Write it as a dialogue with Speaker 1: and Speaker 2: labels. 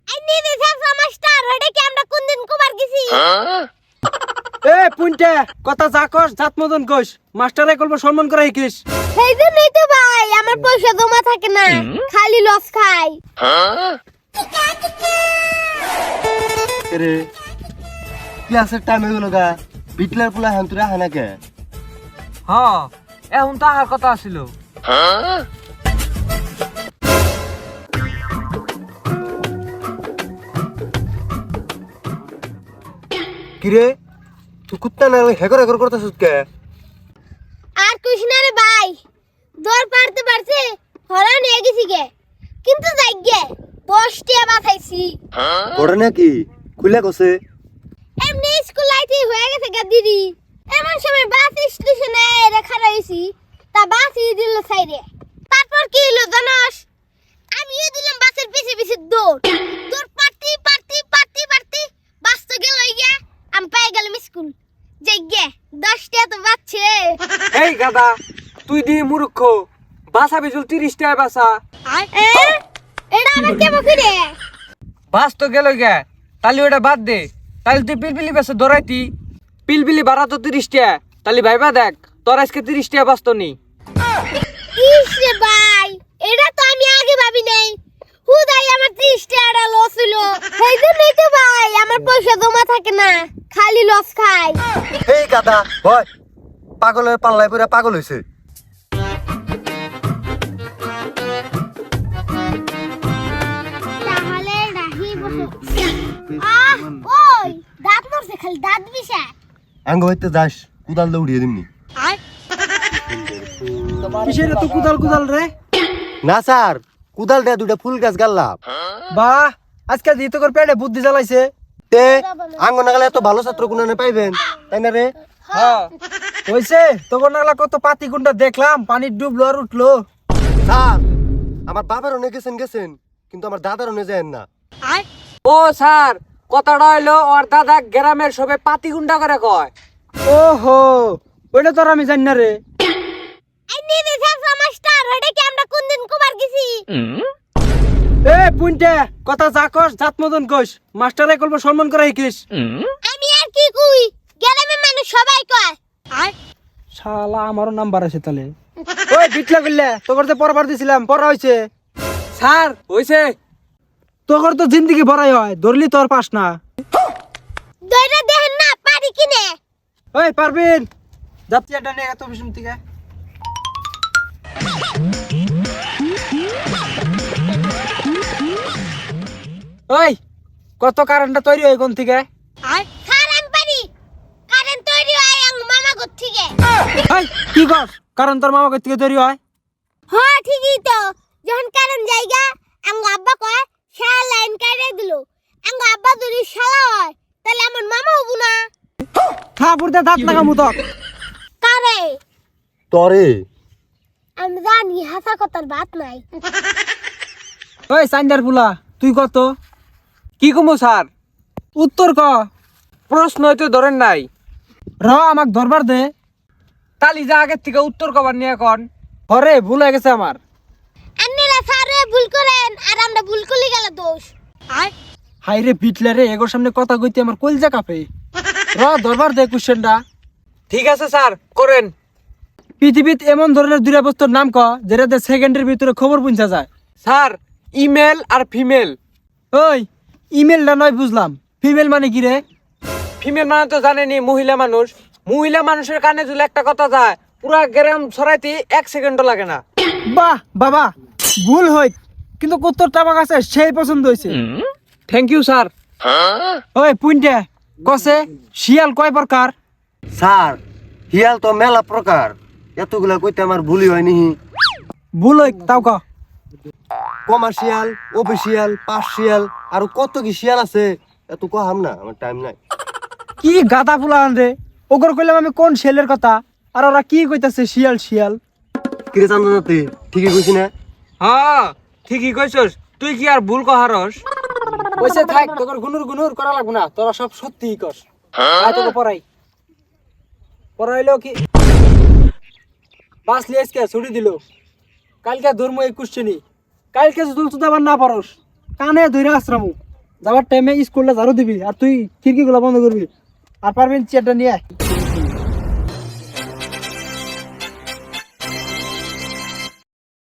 Speaker 1: আইনি দিছে মাস্টার হড়ে কি আমরা কোন দিন কুমার গেছি
Speaker 2: এ পুনটে কথা যা কস জাত মদন কস মাস্টারে কলব সম্মান করে শিখিস
Speaker 1: সেই জন্যই তো ভাই আমার পয়সা জমা থাকে না খালি লস খাই
Speaker 3: রে ক্লাসের টাইম হয়ে গেল গা বিটলার পোলা হান্তুরা হানাকে
Speaker 2: হ্যাঁ এখন তাহার কথা আছিল
Speaker 3: কিরে তুই কুত্তা না হেগর হেগর করতেছিস কে
Speaker 1: আর কৃষ্ণা রে ভাই দৌড় পারতে পারছে হরা নিয়ে গেছি গে কিন্তু যাই গে 10 টিয়া বাঁচাইছি
Speaker 3: পড়ে নাকি খুলে গেছে
Speaker 1: এমনি স্কুল লাইতে হয়ে গেছে গা দিদি এমন সময় বাস স্টেশনে রেখা রয়েছি তা বাসই দিল সাইডে তারপর কি হলো জানোস আমিও দিলাম বাসের পিছে পিছে দৌড় দৌড় পারতি বাস তো গেল গিয়া আমি পেয়ে গেলাম স্কুল যাই গে 10 টিয়া তো বাচ্চে
Speaker 2: এই গাদা তুই দি মূর্খ বাসা বিজুল 30 টাকা বাসা
Speaker 1: এটা আমার কেমন করে
Speaker 2: বাস তো গেল গে তাহলে ওটা বাদ দে তাহলে তুই পিলপিলি বেসে দৌড়াইতি পিলপিলি ভাড়া তো 30 টাকা তাহলে ভাইবা দেখ তোর আজকে 30 টাকা বাঁচতো নি
Speaker 1: ইস রে ভাই এটা তো আমি আগে ভাবি নাই হুদাই আমার 30 টাকা লস হলো সেই জন্যই তো ভাই আমার পয়সা জমা থাকে না খালি লস খাই
Speaker 3: এই গাদা হয় পাগলের পাল্লায় পড়ে পাগল হইছে
Speaker 1: তাহলে রাহি বসে ওই দাঁত নড়ছে খালি দাঁত বিষা
Speaker 3: আঙ্গ হইতে যাস কুদাল দিয়ে উড়িয়ে দিমনি
Speaker 2: কিসের তো কুদাল রে
Speaker 3: না স্যার কুদাল দিয়ে দুটা ফুল গাছ গাল্লাম
Speaker 2: বাহ আজকে দি তোর পেটে বুদ্ধি জ্বালাইছে
Speaker 3: তে আঙ্গ নাগালে এত ভালো ছাত্র কোনে পাইবেন তাই না রে
Speaker 2: হ্যাঁ হইছে তোর নাগলা কত পাতি গুন্ডা দেখলাম পানি ডুবলো আর উঠলো
Speaker 3: স্যার আমার বাবার অনেক গেছেন কিন্তু আমার দাদার অনেক যায় না
Speaker 2: ও স্যার কথাটা হইলো ওর দাদা গ্রামের সবে পাতি গুন্ডা করে কয় ওহো ওইটা তো আর আমি জানি না রে
Speaker 1: আইনি দিছে মাস্টার হড়ে কি আমরা কোন দিন কুমার গেছি
Speaker 2: এ পুনটে কথা যা কস জাত মদন কস মাস্টারে কলব সম্মান করে শিখিস
Speaker 1: আমি আর কি কই গ্রামের মানুষ সবাই কয়
Speaker 2: শালা আমারও নাম্বার আছে তাহলে ওই বিটলা গল্লে তোর যে পড়াবার দিছিলাম পড়া হইছে স্যার হইছে তোর তো জিন্দেগি ভরাই হয় ধরলি তোর পাস না
Speaker 1: দইরা দেখেন না পারি কিনে
Speaker 2: ওই পারবিন যাত্রী এটা নিয়ে এত বিষ্ণু থেকে ওই কত কারেন্টটা তৈরি হয় কোন থেকে
Speaker 1: স্যার আমি পারি কারেন্ট তৈরি হয় আং মামা গো থেকে
Speaker 2: ওই কি কস কারণ তোর মামা কই থেকে তৈরি হয়
Speaker 1: হ্যাঁ ঠিকই তো যখন কারেন্ট জায়গা আং আব্বা কয় শালা লাইন কাটে দিল আং আব্বা যদি শালা হয় তাহলে আমার মামা হবো না
Speaker 2: থাপুরতে দাঁত লাগামু তো
Speaker 1: কারে
Speaker 3: তরে
Speaker 1: আমি জানি হাসা কথার বাত নাই
Speaker 2: ওই সাইন্ডার পুলা তুই কত কি কমু স্যার উত্তর ক প্রশ্ন হইতে ধরেন নাই র আমাক ধরবার দে তালি যা আগের থেকে উত্তর কবার নিয়ে কোন হরে ভুল হয়ে গেছে আমার
Speaker 1: আন্নেরা স্যারে ভুল করেন আর আমরা ভুল করলে গেল দোষ
Speaker 2: হাই রে বিটলে রে এগোর সামনে কথা কইতে আমার কলজা কাঁপে র ধরবার দে কোশ্চেনটা ঠিক আছে স্যার করেন পৃথিবীতে এমন ধরনের দুইটা বস্তুর নাম ক যেটাতে সেকেন্ডের ভিতরে খবর পৌঁছা যায় স্যার ইমেল আর ফিমেল ওই ইমেলটা নয় বুঝলাম ফিমেল মানে কি রে ফিমেল মানে তো জানেনি মহিলা মানুষের কানে যদি একটা কথা যায় পুরা গ্রাম ছড়াইতে 1 সেকেন্ডও লাগে না বাহ বাবা ভুল হই কিন্তু উত্তরটা আমার কাছে সেই পছন্দ হয়েছে থ্যাংক ইউ স্যার ওই পুইন্টে কসে শিয়াল কয় প্রকার
Speaker 3: স্যার হিয়াল তো মেলা প্রকার এতগুলা কইতে আমার ভুলই হয়নি
Speaker 2: ভুল হই তাও ক
Speaker 3: কমার্শিয়াল অফিসিয়াল পার্সিয়াল আর কত কি শিয়াল আছে এত কহাম না আমার টাইম নাই
Speaker 2: কি গাদা ফুলা রে ওগর কইলাম আমি কোন শিয়ালের কথা আর ওরা কি কইতাছে শিয়াল শিয়াল
Speaker 3: কিরে চান্দনাতে ঠিকই কইছি না
Speaker 2: হ্যাঁ ঠিকই কইছস তুই কি আর ভুল কহারস কইছে থাক তোর গুনুর করা লাগবে না তোরা সব সত্যিই কস আয় তোকে পড়াইলো কি পাস লিয়েসকে ছুটি দিল কালকে ধর্ম 21 শ্রেণী কালকে যদি তুই আবার না পারস কানে ধইরা আশ্রামু যাওয়ার টাইমে স্কুলটা ঝাড়ু দিবি আর তুই খিড়কিগুলো বন্ধ করবি আর পারবেন চেয়ারটা নিয়ে আয়।